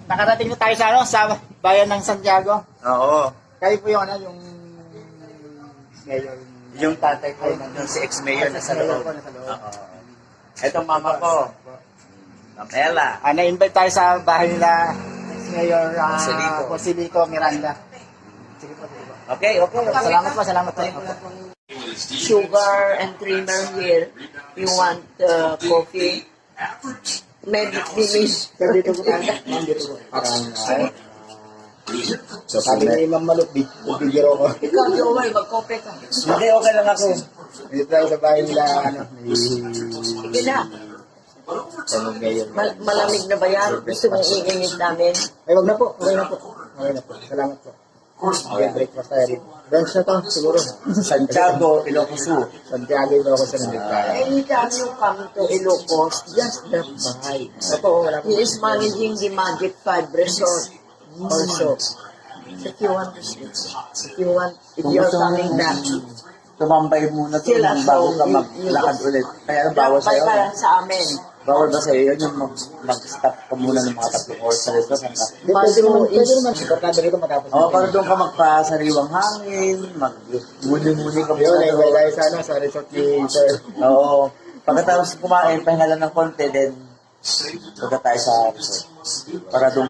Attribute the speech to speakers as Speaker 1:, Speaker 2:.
Speaker 1: nakarating na tayo sa ano, sa bayan ng Santiago.
Speaker 2: Oo.
Speaker 1: Kayo po yung ano, yung mayor.
Speaker 2: Yung tatay ko, yung si ex-mayor na sa loob. Oo. Ito mama ko. Ma'am Ella.
Speaker 1: Na-invite tayo sa bahay nila Mayor
Speaker 2: Joselico.
Speaker 1: Joselico Miranda. Sige po.
Speaker 2: Okay.
Speaker 1: Salamat po, salamat po.
Speaker 3: Sugar and creamer here. You want coffee? Maybe finish.
Speaker 1: Sir, dito po tayo. Ma'am, dito po. Parang, sabi ni Ma'am Maluk, bibigiro ko.
Speaker 3: Ikaw, Joel, mag-coffee ka.
Speaker 2: Hindi, okay lang ako.
Speaker 1: Dito tayo sa bahay nila, ano,
Speaker 3: Sige na.
Speaker 1: Mayor.
Speaker 3: Malamig na ba yan? Gusto mong iinit namin?
Speaker 1: Ay, wag na po. Okay na po. Okay na po. Salamat po. Okay, breakfast tayo rin. Brunch na to, siguro.
Speaker 2: Santiago, Ilocos Sur.
Speaker 1: Santiago, Ilocos na nagkaya.
Speaker 3: Anytime you come to Ilocos, just drop by.
Speaker 1: Opo, wala po.
Speaker 3: He is managing the Magic 5 Resort also. If you want to see, if you're coming back,
Speaker 2: Tumambay muna to
Speaker 3: Sila,
Speaker 2: bago ka
Speaker 3: so,
Speaker 2: maglakad ulit. Kaya bawal
Speaker 3: drop by
Speaker 2: sa'yo.
Speaker 3: ka lang sa amin.
Speaker 2: Bawal ba sa'yo yun yung mag-stop ka muna ng mga 3 oras sa restaurant ka?
Speaker 1: Pwede naman. Importante rito matapos.
Speaker 2: Oo, para doon ka magpasariwang hangin, mag-muni-muni ka
Speaker 1: Yun,
Speaker 2: muna.
Speaker 1: ay tayo sa ano, sa resort ni Sir.
Speaker 2: Oo. Pagkatapos kumain, pahinga lang ng konti, then punta tayo sa resort. Para doon